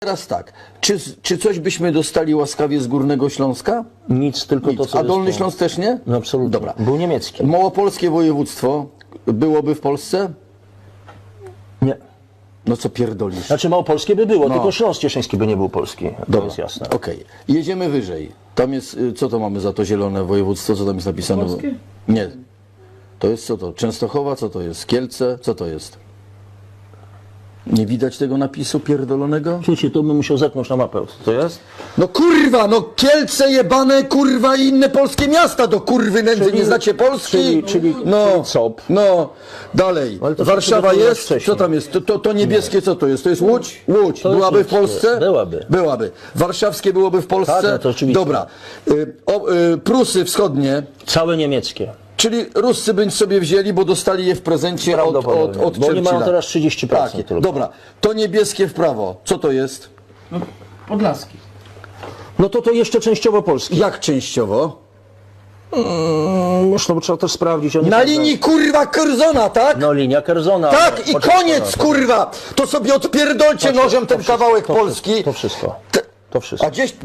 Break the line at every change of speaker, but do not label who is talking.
teraz tak, czy coś byśmy dostali łaskawie z Górnego Śląska?
Nic, tylko
Nic.
to, co
A Dolny
jest,
Śląsk też nie?
No absolutnie.
Dobra.
Był niemiecki.
Małopolskie województwo byłoby w Polsce?
Nie.
No co pierdolisz?
Znaczy małopolskie by było, tylko Śląsk Cieszyński by nie był polski. To jest jasne.
Okej. Jedziemy wyżej. Tam jest, co to mamy za to zielone województwo? Co tam jest napisane?
Polskie?
Nie. To jest co to? Częstochowa? Co to jest? Kielce? Co to jest? Nie widać tego napisu pierdolonego?
Słuchajcie, to bym musiał zerknąć na mapę. Co to jest?
No kurwa, no Kielce jebane, kurwa i inne polskie miasta do kurwy nędzy,
Czyli-
nie znacie Polski?
czyli
no,
COP.
No, dalej.
Ale to
Warszawa
się
jest?
wcześniej.
Co tam jest? To niebieskie co to jest? To jest Łódź? Łódź.
To jest
Byłaby w
łódzkie.
Polsce?
Byłaby.
Byłaby. Warszawskie byłoby w Polsce?
Tak, no to oczywiście.
Dobra. Prusy wschodnie,
Całe niemieckie.
czyli Ruscy by sobie wzięli, bo dostali je w prezencie od
Prawdopodobnie. Bo oni
Churchilla.
mają teraz 30%
Tak,
tylko.
dobra. To niebieskie w prawo. Co to jest?
No, Podlaski.
No to jeszcze częściowo polskie.
Jak częściowo?
Można, bo trzeba też sprawdzić. Oni
Na
prawda-
linii kurwa Kerzona, tak?
No linia Kerzona.
Tak i
Poczekaj,
koniec
no,
kurwa! To sobie odpierdolcie nożem ten kawałek
to
Polski.
To wszystko.
Te-
To wszystko.
A gdzieś